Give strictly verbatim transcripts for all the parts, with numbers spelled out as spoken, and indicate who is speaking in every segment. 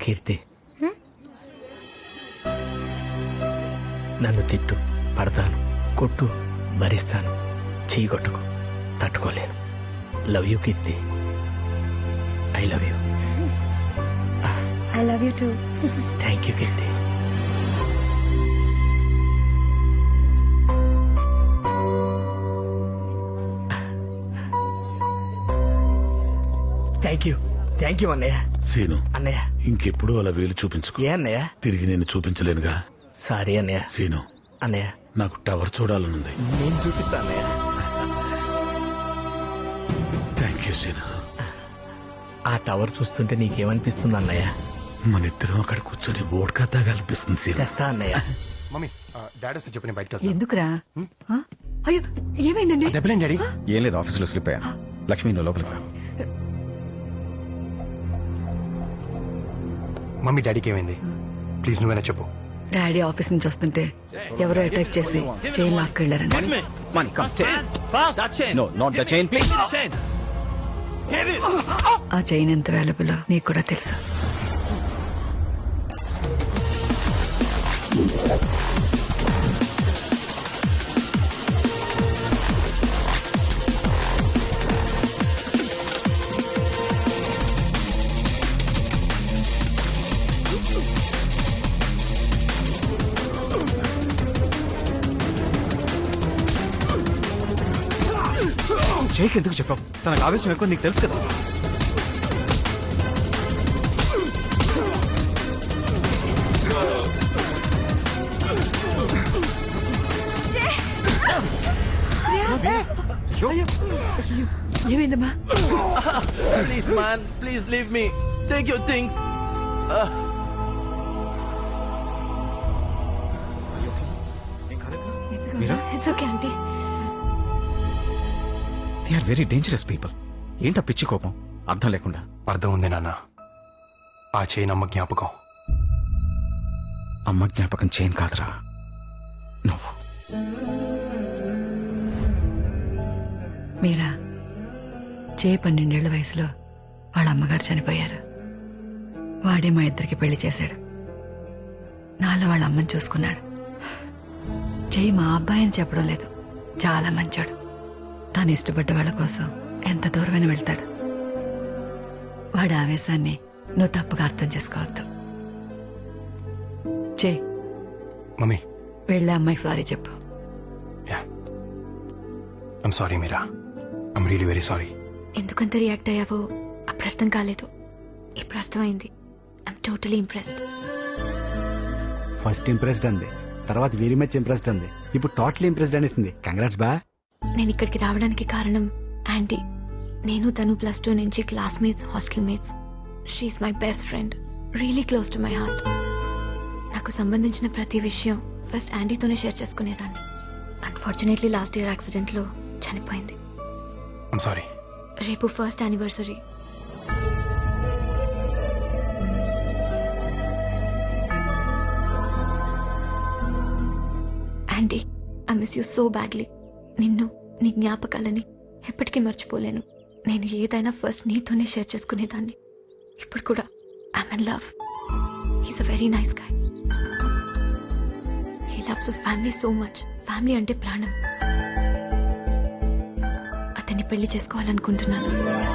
Speaker 1: కీర్తి నన్ను తిట్టు, పడతాను, కొట్టు, భరిస్తాను, చీకొట్టుకు, తట్టుకోలేను. Love you Keerthi, I love you.
Speaker 2: I love you too.
Speaker 1: Thank you Keerthi. Thank you thank you అన్నయ్య.
Speaker 3: సీను,
Speaker 1: అన్నయ్య
Speaker 3: ఇంకెప్పుడు అలా వేలు చూపించుకో.
Speaker 1: ఏ అన్నయ్య?
Speaker 3: తిరిగి నేను చూపించలేనుగా.
Speaker 1: సారీ అన్నయ్య.
Speaker 3: సీను,
Speaker 1: అన్నయ్య
Speaker 3: నాకు టవర్ చూడాలనుంది.
Speaker 1: నేను చూపిస్తా అన్నయ్య.
Speaker 3: Thank you Seenu.
Speaker 1: ఆ టవర్ చూస్తుంటే నీకేమనిపిస్తుంది అన్నయ్య?
Speaker 3: మన ఇద్దరం అక్కడ కూర్చొని ఓడ్కా తాగాలనిపిస్తుంది సీను.
Speaker 1: తెస్తా అన్నయ్య.
Speaker 4: మమ్మీ డాడీ వస్తే చెప్పి నేను బయటకు
Speaker 2: ఎందుకురా? ఆ? అయ్యో ఏమైందండి?
Speaker 4: దెబ్బలేం డాడీ?
Speaker 5: ఏం లేదు, ఆఫీసులో స్లిప్ అయ్యా. లక్ష్మి నువ్వు లోపలికి రా.
Speaker 4: మమ్మీ డాడీకి ఏమైంది? ప్లీజ్ నువ్వేనా చెప్పు.
Speaker 2: డాడీ ఆఫీస్ నుంచి వస్తుంటే ఎవరో అటాక్ చేసి చైన్ లాక్కెళ్లారండి.
Speaker 5: Money, come, chain. No, not the chain, please.
Speaker 2: ఆ చైన్ ఎంత వాల్యుబుల్ నీకు కూడా తెలుసా?
Speaker 5: జైకి ఎందుకు చెప్పావు? తనకు ఆవేశం ఎక్కువ, నీకు తెలుసు కదా.
Speaker 2: ఏమైందమ్మా?
Speaker 6: Please, man, please leave me. Take your things.
Speaker 5: Meera,
Speaker 2: it's okay aunty.
Speaker 5: They are very dangerous people. ఏంటా పిచ్చి కోపం అర్థం లేకుండా?
Speaker 4: అర్థం ఉంది నాన్న. ఆ చైన్ అమ్మ జ్ఞాపకం.
Speaker 5: అమ్మ జ్ఞాపకం చైన్ కాదురా, నువ్వు.
Speaker 2: మీరా, చే పన్నెండేళ్ల వయసులో వాళ్ళ అమ్మగారు చనిపోయారు. వాడే మా ఇద్దరికి పెళ్లి చేశాడు. నాలో వాళ్ళ అమ్మని చూసుకున్నాడు. జై మా అబ్బాయి అని చెప్పడం లేదు, చాలా మంచోడు. తాను ఇష్టపడ్డ వాళ్ళ కోసం ఎంత దూరమైన వెళ్తాడు. వాడి ఆవేశాన్ని నువ్వు తప్పుగా అర్థం చేసుకోవద్దు. చే
Speaker 4: మమ్మీ
Speaker 2: వెళ్ళే అమ్మాయికి సారీ చెప్పు.
Speaker 4: Yeah, I'm sorry Meera. I'm really very sorry.
Speaker 7: ఎందుకంత రియాక్ట్ అయ్యావో అప్పుడు అర్థం కాలేదు, ఇప్పుడు అర్థమైంది. I'm totally impressed.
Speaker 8: First impressed అంది, తర్వాత వెరీ మచ్ ఇంప్రెస్డ్ అంది, ఇప్పుడు టోటల్ ఇంప్రెస్డ్ అనేసింది. కంగ్రాట్స్ బా.
Speaker 7: నేను ఇక్కడికి రావడానికి కారణం ఆంటీ. నేను తను ప్లస్ టూ నుంచి classmates, hostel mates. She's my best friend, really close to my heart. నాకు సంబంధించిన ప్రతి విషయం ఫస్ట్ ఆంటీతోనే షేర్ చేసుకునేదాన్ని. అన్ఫార్చునేట్లీ లాస్ట్ ఇయర్ యాక్సిడెంట్లో చనిపోయింది.
Speaker 4: I'm sorry.
Speaker 7: రేపు first anniversary. Aunty, I miss you so badly. నిన్ను, నీ జ్ఞాపకాలని ఎప్పటికీ మర్చిపోలేను. నేను ఏదైనా ఫస్ట్ నీతోనే షేర్ చేసుకునేదాన్ని. ఇప్పుడు కూడా I'm in love. He's a very nice guy. He loves his family so much. Family అంటే ప్రాణం. అతన్ని పెళ్లి చేసుకోవాలనుకుంటున్నాను.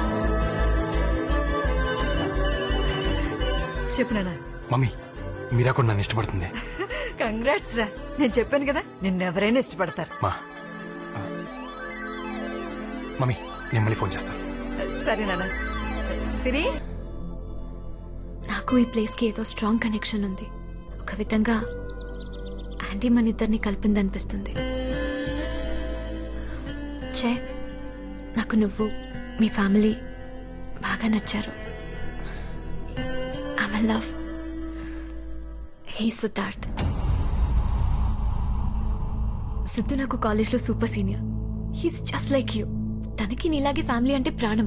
Speaker 2: చెప్పినానా?
Speaker 4: మమ్మీ మీరా కూడా నన్ను ఇష్టపడుతుంది.
Speaker 2: కంగ్రాట్స్ రా. నేను చెప్పాను కదా, నిన్నెవరైనా ఇష్టపడతారు.
Speaker 4: మా ఆ, మమ్మీ నేను మళ్ళీ ఫోన్ చేస్తాను.
Speaker 2: సరే నాన్న. సిరి,
Speaker 7: నాకు ఈ ప్లేస్కి ఏదో స్ట్రాంగ్ కనెక్షన్ ఉంది. ఒక విధంగా ఆంటీ మన ఇద్దరిని కలిపిందనిపిస్తుంది. చే, నాకు నువ్వు, మీ ఫ్యామిలీ బాగా నచ్చారు. I'm in love. He Siddharth. Siddhu నాకు కాలేజ్లో super senior. He's just like you. తనకి నీలాగే ఫ్యామిలీ అంటే ప్రాణం.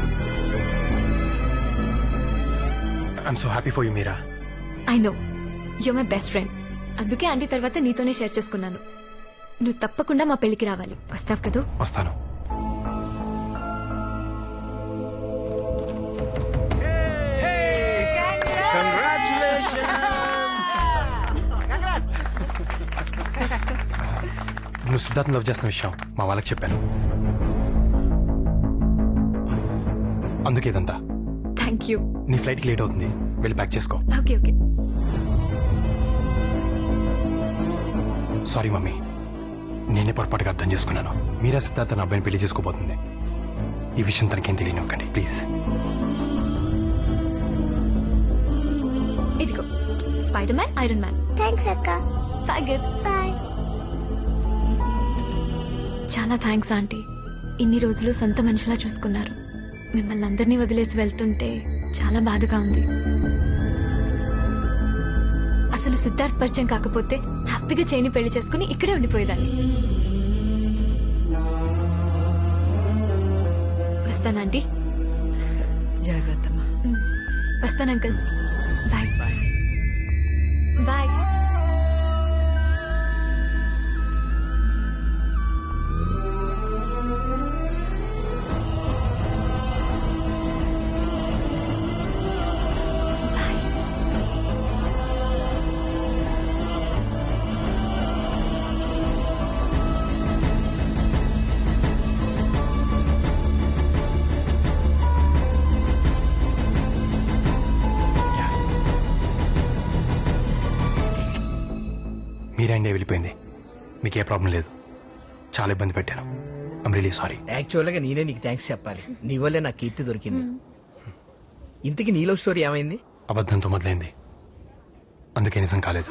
Speaker 4: I'm so happy for you Meera.
Speaker 7: I know. You my best friend. అందుకే ఆంటీ తర్వాత నీతోనే షేర్ చేసుకున్నాను. నువ్వు తప్పకుండా మా పెళ్లికి రావాలి. వస్తావు కదూ?
Speaker 4: వస్తాను. నువ్వు సిద్ధార్థ్ లవ్ చేస్తున్న విషయం మా వాళ్ళకి చెప్పాను. అందుకే ఇదంతా.
Speaker 7: Thank you.
Speaker 4: నీ ఫ్లైట్కి లేట్ అవుతుంది, వెళ్ళి ప్యాక్ చేసుకో.
Speaker 7: Okay okay.
Speaker 4: సారీ మమ్మీ, నేనే పొరపాటుగా అర్థం చేసుకున్నాను. మీరా సిద్ధార్థ నా అబ్బాయిని పెళ్లి చేసుకోబోతుంది. ఈ విషయం తనకేం తెలియనివ్వకండి ప్లీజ్.
Speaker 7: ఇదిగో spider man, iron man.
Speaker 9: Thanks అక్క.
Speaker 7: Bye gifts.
Speaker 9: బాయ్.
Speaker 7: చాలా థ్యాంక్స్ ఆంటీ. ఇన్ని రోజులు సొంత మనిషిలా చూసుకున్నారు. మిమ్మల్ని అందరినీ వదిలేసి వెళ్తుంటే చాలా బాధగా ఉంది. అసలు సిద్ధార్థ్ పరిచయం కాకపోతే హ్యాపీగా చేయని పెళ్లి చేసుకుని ఇక్కడే ఉండిపోయేదాన్ని. వస్తాను ఆంటీ.
Speaker 2: జాగ్రత్తమ్మా.
Speaker 7: వస్తాను uncle. Bye bye bye.
Speaker 4: Meera India వెళ్ళిపోయింది. మీకు ఏ ప్రాబ్లం లేదు. చాలా ఇబ్బంది పెట్టాను. I'm really sorry.
Speaker 1: యాక్చువల్గా నేనే నీకు థ్యాంక్స్ చెప్పాలి. నీ వల్లే నాకు కీర్తి దొరికింది. ఇంతకీ నీలో స్టోరీ ఏమైంది?
Speaker 4: అబద్ధంతో మొదలైంది, అందుకే నిజం కాలేదు.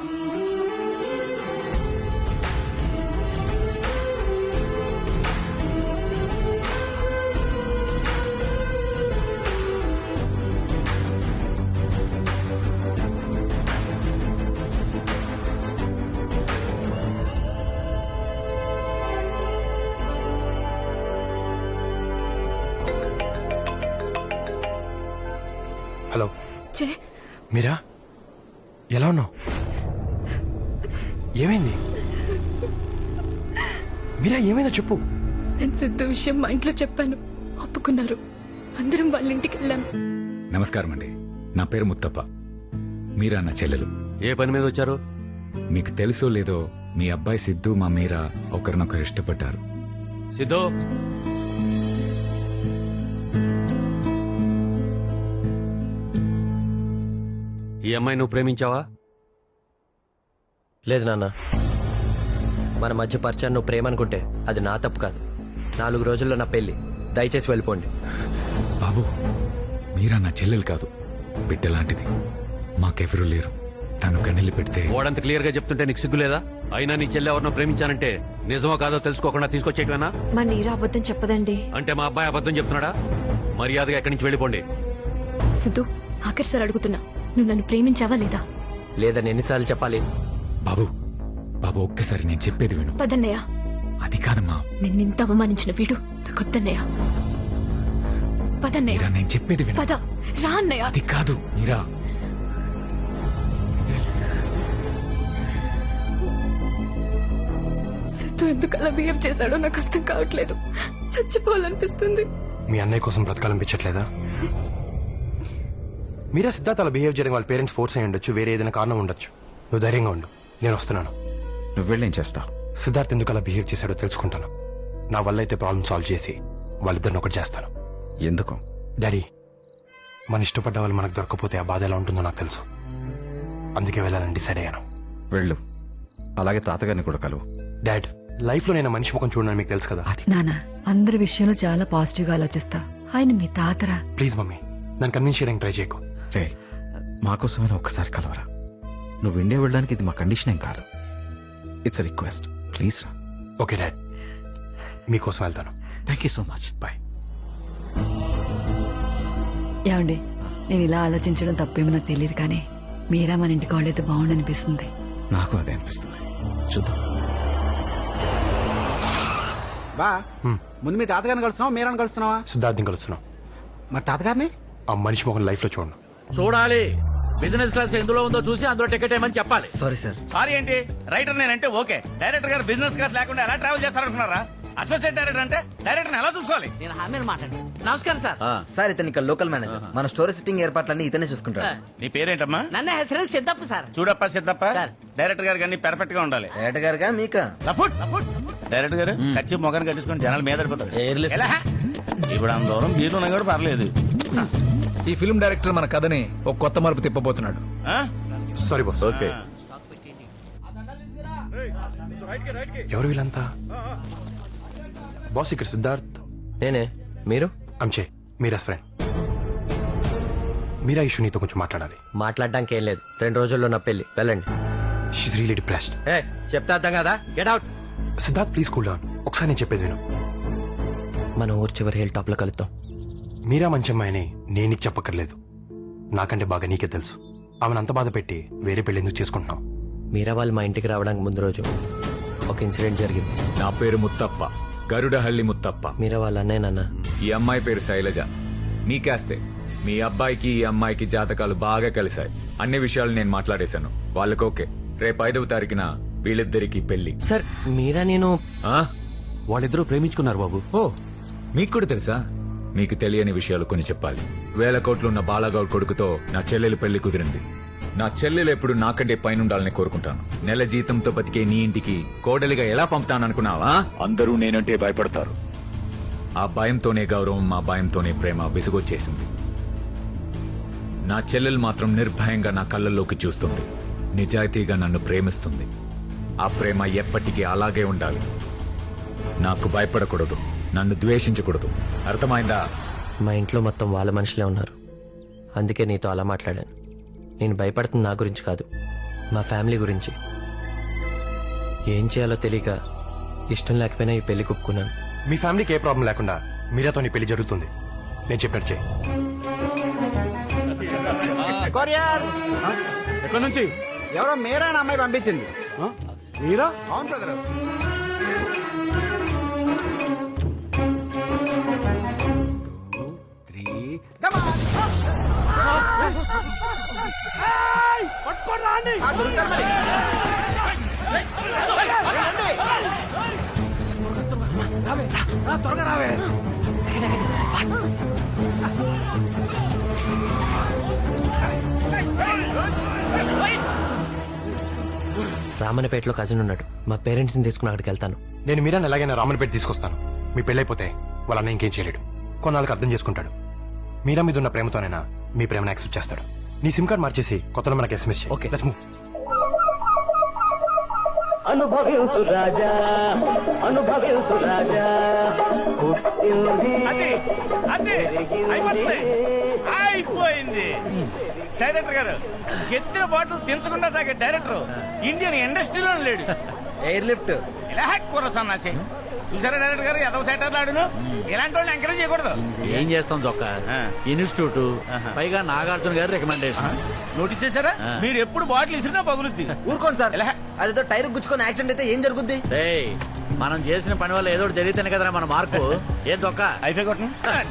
Speaker 4: హలో
Speaker 7: చే
Speaker 4: మీరా, ఎలా ఉన్నావు? ఏమైంది మీరా? ఏమైందో చెప్పు.
Speaker 7: నేను సిద్ధు విషయం మా ఇంట్లో చెప్పాను. ఒప్పుకున్నారు. అందరం వాళ్ళ ఇంటికి వెళ్ళాను.
Speaker 5: నమస్కారం అండి, నా పేరు ముత్తప్ప. మీరా నా చెల్లెలు.
Speaker 6: ఏ పని మీద వచ్చారు?
Speaker 5: మీకు తెలుసో లేదో మీ అబ్బాయి సిద్ధు మా మీరా ఒకరినొకరు ఇష్టపడ్డారు.
Speaker 6: సిద్ధు, ఈ అమ్మాయి నువ్వు ప్రేమించావా?
Speaker 10: లేదు నాన్న, మన మధ్య పరిచయం నువ్వు ప్రేమ అనుకుంటే అది నా తప్పు కాదు. నాలుగు రోజుల్లో నా పెళ్లి, దయచేసి వెళ్ళిపోండి.
Speaker 5: బాబు, మీరా నా చెల్లెలు కాదు, బిడ్డలాంటిది. మాకెవరూ లేరు. తను కన్నెల్లి పెడితే
Speaker 6: ఓడంత క్లియర్ గా చెప్తుంటే నీకు సిగ్గులేదా? అయినా నీ చెల్లి ఎవరినో ప్రేమించానంటే నిజమో కాదో తెలుసుకోకుండా తీసుకొచ్చేయటమేనా?
Speaker 11: మా నీరా అబద్ధం చెప్పదండి.
Speaker 6: అంటే మా అబ్బాయి అబద్ధం చెప్తున్నాడా? మర్యాదగా ఎక్కడి నుంచి వెళ్ళిపోండి.
Speaker 7: సిద్ధు, ఆఖరి సార్ అడుగుతున్నా, నువ్వు నన్ను ప్రేమించావా లేదా?
Speaker 10: లేదని ఎన్నిసార్లు చెప్పాలి?
Speaker 5: బాబు బాబు ఒక్కసారి నేను చెప్పేది విను.
Speaker 7: పదన్నయ్య.
Speaker 5: అది కాదమ్మా.
Speaker 7: నిన్నింత అవమానించిన వీడు నాకొద్దన్నయ్య. పదన్నయ్య.
Speaker 5: మీరా, నేను చెప్పేది విను.
Speaker 7: పద. రా అన్నయ్య.
Speaker 5: అది కాదు మీరా.
Speaker 7: సిద్ధు ఎందుకు అలా బిహేవ్ చేశాడో నాకు అర్థం కావట్లేదు. చచ్చిపోవాలనిపిస్తుంది.
Speaker 4: మీ అన్నయ్య కోసం బ్రతకాలనిపించట్లేదా? మీరా సిద్ధార్థ అలా బిహేవ్ చేయడం వాళ్ళ పేరెంట్స్ ఫోర్స్ అయ్యి ఉండొచ్చు, వేరే ఏదైనా కారణం ఉండొచ్చు. నువ్వు ధైర్యంగా ఉండు, నేను వస్తున్నాను.
Speaker 5: నువ్వు వెళ్ళేం చేస్తావు?
Speaker 4: సిద్ధార్థ్ ఎందుకు అలా బిహేవ్ చేశాడో తెలుసుకుంటాను. నా వల్ల అయితే ప్రాబ్లం సాల్వ్ చేసి వాళ్ళిద్దరిని ఒకటి చేస్తాను.
Speaker 5: ఎందుకు?
Speaker 4: డాడీ, మన ఇష్టపడ్డ వాళ్ళు మనకు దొరకపోతే ఆ బాధ ఎలా ఉంటుందో నాకు తెలుసు. అందుకే వెళ్ళాలని డిసైడ్ అయ్యాను.
Speaker 5: వెళ్ళు. అలాగే తాతగారిని కూడా కలువు.
Speaker 4: డాడ్, లైఫ్ లో నేను మనిషి ముఖం చూడని మీకు తెలుసు కదా.
Speaker 2: నానా, అందరి విషయంలో చాలా పాజిటివ్ గా ఆలోచిస్తా. ఆయన మీ తాతరా.
Speaker 4: ప్లీజ్ మమ్మీ, నన్ను కన్విన్స్ చేయడానికి ట్రై చేయకు.
Speaker 5: రే, మాకోసమైనా ఒక్కసారి కలవరా. నువ్వు ఇండియా వెళ్ళడానికి ఇది మా కండిషన్ ఏం కాదు. ఇట్స్ రిక్వెస్ట్, ప్లీజ్ రా.
Speaker 4: ఓకే డాడ్, మీకోసం వెళ్తాను.
Speaker 5: Thank you so much.
Speaker 4: Bye.
Speaker 2: ఏమండి, నేను ఇలా ఆలోచించడం తప్పేమో నాకు తెలియదు, కానీ మీరా మన ఇంటికి వాళ్ళైతే బాగుండనిపిస్తుంది.
Speaker 5: నాకు అదే అనిపిస్తుంది. చూద్దాం.
Speaker 8: బా ముందు మీ తాతగారిని కలుస్తున్నావా మీరాని కలుస్తున్నావా?
Speaker 4: సిద్ధార్థం కలుస్తున్నాం.
Speaker 8: మరి తాతగారిని
Speaker 4: ఆ మనిషి ముఖం లైఫ్ లో చూడండి.
Speaker 6: చూడాలి. బిజినెస్ క్లాస్ ఎందులో ఉందో చూసి అందులో టికెట్ ఏమని చెప్పాలి.
Speaker 10: Sorry sir.
Speaker 9: సారీ ఏంటి? రైటర్ నేనంటే ఓకే, డైరెక్టర్ గారు బిజినెస్ క్లాస్ లేకుండా ఎలా ట్రావెల్ చేస్తారనుకున్నారా? అసోసియేట్ డైరెక్టర్ అంటే డైరెక్టర్ ఎలా చూసుకోవాలి?
Speaker 1: నేను హామీలు మాట్లాడు. నమస్కారం సార్.
Speaker 10: సార్ ఇతను ఇక్కడ లోకల్ మేనేజర్. మన స్టోరీ సిట్టింగ్ ఏర్పాట్లన్నీ ఇతనే చూసుకుంటాడు.
Speaker 9: నీ పేరేంటమ్మా?
Speaker 1: నన్న హెసరు సిద్ధప్ప సార్.
Speaker 9: చూడప్ప సిద్ధప్ప,
Speaker 1: సార్.
Speaker 9: డైరెక్టర్ గారికి అన్ని పెర్ఫెక్ట్ గా ఉండాలి.
Speaker 10: డైరెక్టర్ గారుగా మీకా?
Speaker 9: లఫుట్ లఫుట్. డైరెక్టర్ గారు కచ్చి మొగన్ కట్టించుకొని జనాలు మీద పడిపోతారు.
Speaker 10: ఎయిర్లిఫ్ట్.
Speaker 9: ఎలా? ఇప్పుడు అంత దూరం బీర్లు ఉన్నా కూడా పర్లేదు.
Speaker 11: ఈ ఫిల్మ్ డైరెక్టర్ మన కథని ఒక కొత్త మలుపు తిప్పబోతున్నాడు.
Speaker 9: ఆ?
Speaker 4: Sorry boss. ఓకే. ఎవరు వీళ్ళంతా? బాస్ ఇక్కడ సిద్ధార్థ్.
Speaker 10: నేనే. మీరు?
Speaker 4: అంచే మీరాస్ ఫ్రెండ్. మీరా ఇష్యూ నీతో కొంచెం మాట్లాడాలి.
Speaker 10: మాట్లాడడానికి ఏం లేదు, రెండు రోజుల్లో నా పెళ్లి. వెళ్ళండి.
Speaker 4: She's really depressed.
Speaker 10: ఏ చెప్తా అర్థం కదా? Get out.
Speaker 4: Siddharth please cool down. ఒకసారి నేను చెప్పేది విను.
Speaker 10: మన ఊరు చివరి హిల్ టాప్ లో కలుద్దాం.
Speaker 4: మీరా మంచి అమ్మాయిని నేను నీకు చెప్పక్కర్లేదు, నాకంటే బాగా నీకే తెలుసు. ఆమెను అంత బాధ పెట్టి వేరే పెళ్లి ఎందుకు చేసుకుంటున్నావు?
Speaker 10: మీరా వాళ్ళు మా ఇంటికి రావడానికి ముందు రోజు ఒక ఇన్సిడెంట్ జరిగింది.
Speaker 5: నా పేరు ముత్తప్ప, గరుడహల్లి ముత్తప్ప.
Speaker 10: మీరా వాళ్ళ అన్నయ్య నాన్న.
Speaker 5: ఈ అమ్మాయి పేరు శైలజ. మీకేస్తే మీ అబ్బాయికి ఈ అమ్మాయికి జాతకాలు బాగా కలిశాయి. అన్ని విషయాలు నేను మాట్లాడేశాను. వాళ్ళకి ఓకే. రేపు ఐదవ తారీఖున వీళ్ళిద్దరికి పెళ్లి.
Speaker 10: సార్ మీరా నేను
Speaker 5: ఆ?
Speaker 6: వాళ్ళిద్దరూ ప్రేమించుకున్నారు బాబు.
Speaker 5: ఓ మీకు కూడా తెలుసా? మీకు తెలియని విషయాలు కొన్ని చెప్పాలి. వేల కోట్లున్న బాలాగౌడ్ కొడుకుతో నా చెల్లెలు పెళ్లి కుదిరింది. నా చెల్లెలు ఎప్పుడు నాకంటే పైనుండాలని కోరుకుంటాను. నెల జీతంతో బతికే నీ ఇంటికి కోడలిగా ఎలా పంపుతాననుకున్నావా? అందరూ నేనంటే భయపడతారు. ఆ భయంతోనే గౌరవం, మా భయంతోనే ప్రేమ విసుగొచ్చేసింది. నా చెల్లెలు మాత్రం నిర్భయంగా నా కళ్ళల్లోకి చూస్తుంది, నిజాయితీగా నన్ను ప్రేమిస్తుంది. ఆ ప్రేమ ఎప్పటికీ అలాగే ఉండాలి. నాకు భయపడకూడదు, నన్ను ద్వేషించకూడదు. అర్థమైందా?
Speaker 10: మా ఇంట్లో మొత్తం వాళ్ళ మనుషులే ఉన్నారు, అందుకే నీతో అలా మాట్లాడాను. నేను భయపడుతుంది నా గురించి కాదు, మా ఫ్యామిలీ గురించి. ఏం చేయాలో తెలియక ఇష్టం లేకపోయినా ఈ పెళ్లి కుప్పుకున్నాను.
Speaker 4: మీ ఫ్యామిలీకి ఏ ప్రాబ్లం లేకుండా మీరాతో నీ పెళ్లి జరుగుతుంది. నేను చెప్పినట్టు చేయి.
Speaker 8: కొరియర్
Speaker 9: ఎక్కడి నుంచి?
Speaker 8: ఎవరో మీరా అనే అమ్మాయి పంపించింది.
Speaker 9: మీరా?
Speaker 8: అవును బ్రదర్.
Speaker 1: త్వరగా రావే.
Speaker 10: రామన్నపేటలో కజిన్ ఉన్నాడు, మా పేరెంట్స్ ని తీసుకుని అక్కడికి వెళ్తాను.
Speaker 4: నేను మీరాని ఎలాగైనా రామన్పేట తీసుకొస్తాను. మీ పెళ్ళైపోతే వాళ్ళ అన్న ఇంకేం చేయలేడు, కొన్నాళ్ళకి అర్థం చేసుకుంటాడు. మీరా మీద ఉన్న ప్రేమతోనైనా మీ ప్రేమను యాక్సెప్ట్ చేస్తాడు. నీ సిమ్ కార్డ్ మార్చేసి కొత్తలో మనకి ఎస్ఎంఎస్ చేయి.
Speaker 10: ఓకే.
Speaker 4: Let's move.
Speaker 9: అనుభవించు రాజా, అనుభవించు రాజా. అది అది అయిపోతుంది, అయిపోయింది. డైరెక్టర్ గారు ఎత్తిన బాటలు దించకుండా తాగే డైరెక్టర్ ఇండియన్ ఇండస్ట్రీలో లేడు.
Speaker 10: ఎయిర్ లిఫ్ట్
Speaker 9: ఇలా కూర సన్నాసి. చూసారా డైరెక్టర్ గారు ఎదవ సైటర్ ఆడును. ఇలాంటి వాళ్ళని ఎంకరేజ్ చేయకూడదు.
Speaker 6: ఏం చేస్తాం జొక్క, ఇన్స్టిట్యూట్ పైగా నాగార్జున గారు రికమెండేషన్.
Speaker 9: నోటీస్ చేశారా? మీరు ఎప్పుడు బాటిల్ ఇసిరినా పగులుద్ది.
Speaker 10: ఊరుకోండి సార్, అదేదో టైర్ గుచ్చుకొని యాక్సిడెంట్ అయితే ఏం జరుగుద్ది?
Speaker 6: మనం చేసిన పని వల్ల ఏదో ఒకటి జరిగితేనే కదరా మన మార్పు. ఏం జొక్క
Speaker 9: అయిపోయి కొట్టండి.